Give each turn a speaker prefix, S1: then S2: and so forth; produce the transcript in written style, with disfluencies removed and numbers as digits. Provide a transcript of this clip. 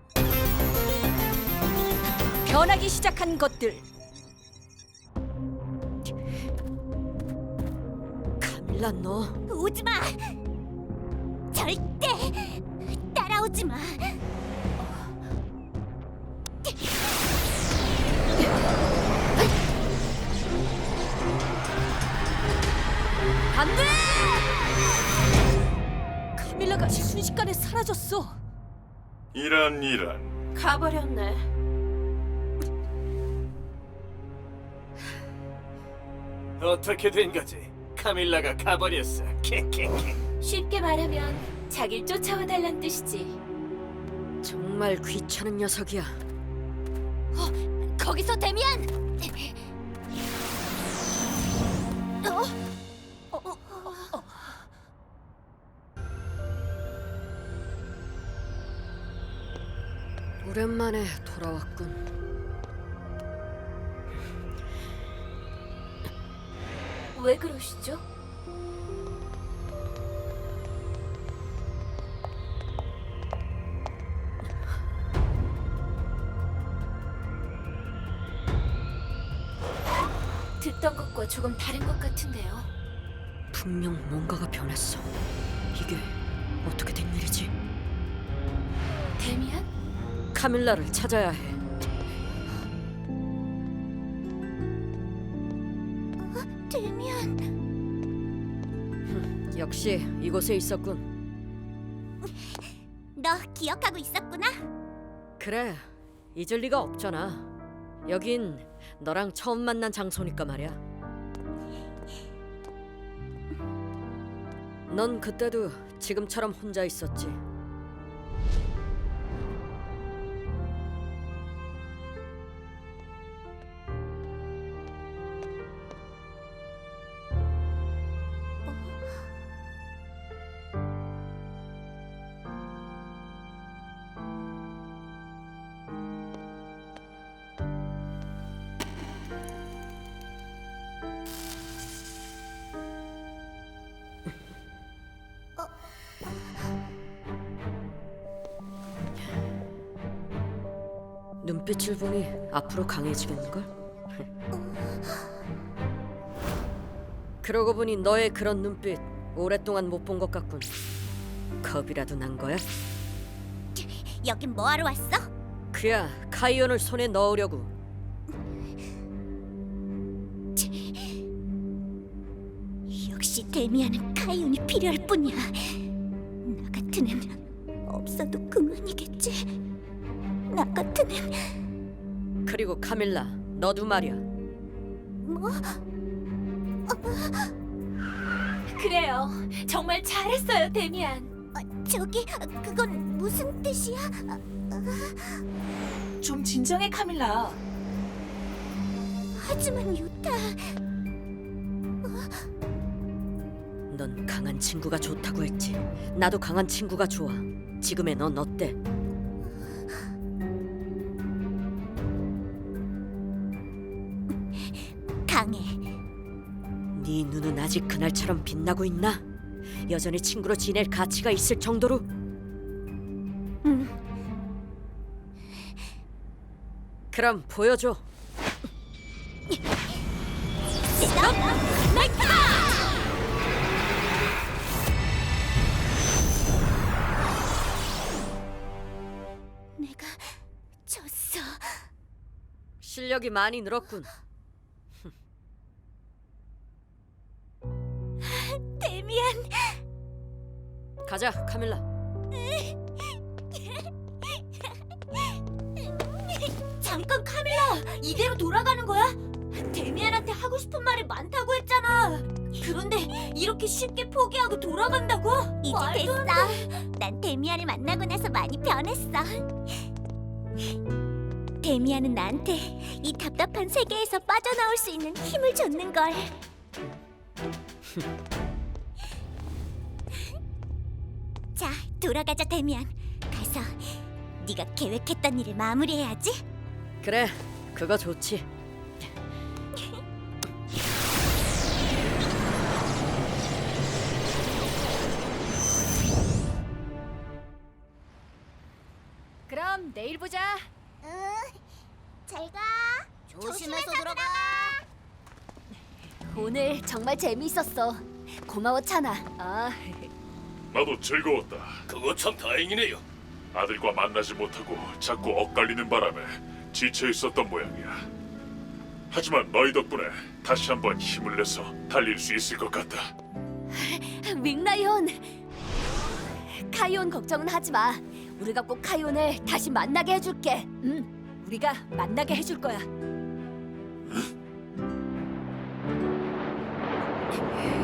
S1: 변하기 시작한 것들. 카밀라, 너
S2: 오지 마. 절대 따라오지 마.
S1: 안 돼! 카밀라가 순식간에 사라졌어.
S3: 이런
S2: 가버렸네.
S4: 어떻게 된 거지? 카밀라가 가버렸어. 케케케.
S2: 쉽게 말하면 자길 쫓아와 달란 뜻이지.
S1: 정말 귀찮은 녀석이야.
S2: 거기서 데미안.
S1: 오랜만에 돌아왔군.
S2: 왜 그러시죠? 듣던 것과 조금 다른 것 같은데요.
S1: 분명 뭔가가 변했어. 이게 어떻게 된 일이지?
S2: 데미안?
S1: 카밀라를 찾아야 해.
S2: 데미안.
S1: 역시 이곳에 있었군.
S2: 너 기억하고 있었구나.
S1: 그래, 잊을 리가 없잖아. 여긴 너랑 처음 만난 장소니까 말이야. 넌 그때도 지금처럼 혼자 있었지. 눈빛을 보니 앞으로 강해지겠는걸? 그러고 보니 너의 그런 눈빛 오랫동안 못 본 것 같군. 겁이라도 난 거야?
S2: 여긴 뭐하러 왔어?
S1: 그야 카이온을 손에 넣으려고.
S2: 역시 데미안은 카이온이 필요할 뿐이야. 나 같은 애는 없어도 그만이겠지. 나 같은 애는
S1: 그리고 카밀라, 너도 말이야.
S2: 뭐? 그래요. 정말 잘했어요, 데미안. 저기 그건 무슨 뜻이야?
S5: 좀 진정해, 카밀라.
S2: 하지만 유타,
S1: 넌 강한 친구가 좋다고 했지. 나도 강한 친구가 좋아. 지금의 넌 어때?
S2: 강해.
S1: 네 눈은 아직 그날처럼 빛나고 있나? 여전히 친구로 지낼 가치가 있을 정도로? 그럼 보여줘.
S2: 내가 졌어.
S1: 실력이 많이 늘었군.
S2: 데미안.
S1: 가자, 카밀라.
S2: 잠깐, 카밀라. 이대로 돌아가는 거야? 데미안한테 하고 싶은 말이 많다고 했잖아. 그런데 이렇게 쉽게 포기하고 돌아간다고? 이제 됐어. 난 데미안을 만나고 나서 많이 변했어. 데미안은 나한테 이 답답한 세계에서 빠져나올 수 있는 힘을 줬는 걸. 자, 돌아가자, 데미안. 가서 네가 계획했던 일을 마무리해야지.
S1: 그래, 그거 좋지. 그럼 내일 보자.
S2: 응. 잘 가. 조심해서 들어가. 오늘 정말 재미있었어. 고마워 찬아.
S3: 나도 즐거웠다.
S4: 그거 참 다행이네요.
S3: 아들과 만나지 못하고 자꾸 엇갈리는 바람에 지쳐 있었던 모양이야. 하지만 너희 덕분에 다시 한번 힘을 내서 달릴 수 있을 것 같다.
S2: 윙라이온. 카이온 걱정은 하지 마. 우리가 꼭 카이온을 다시 만나게 해줄게.
S1: 우리가 만나게 해줄 거야.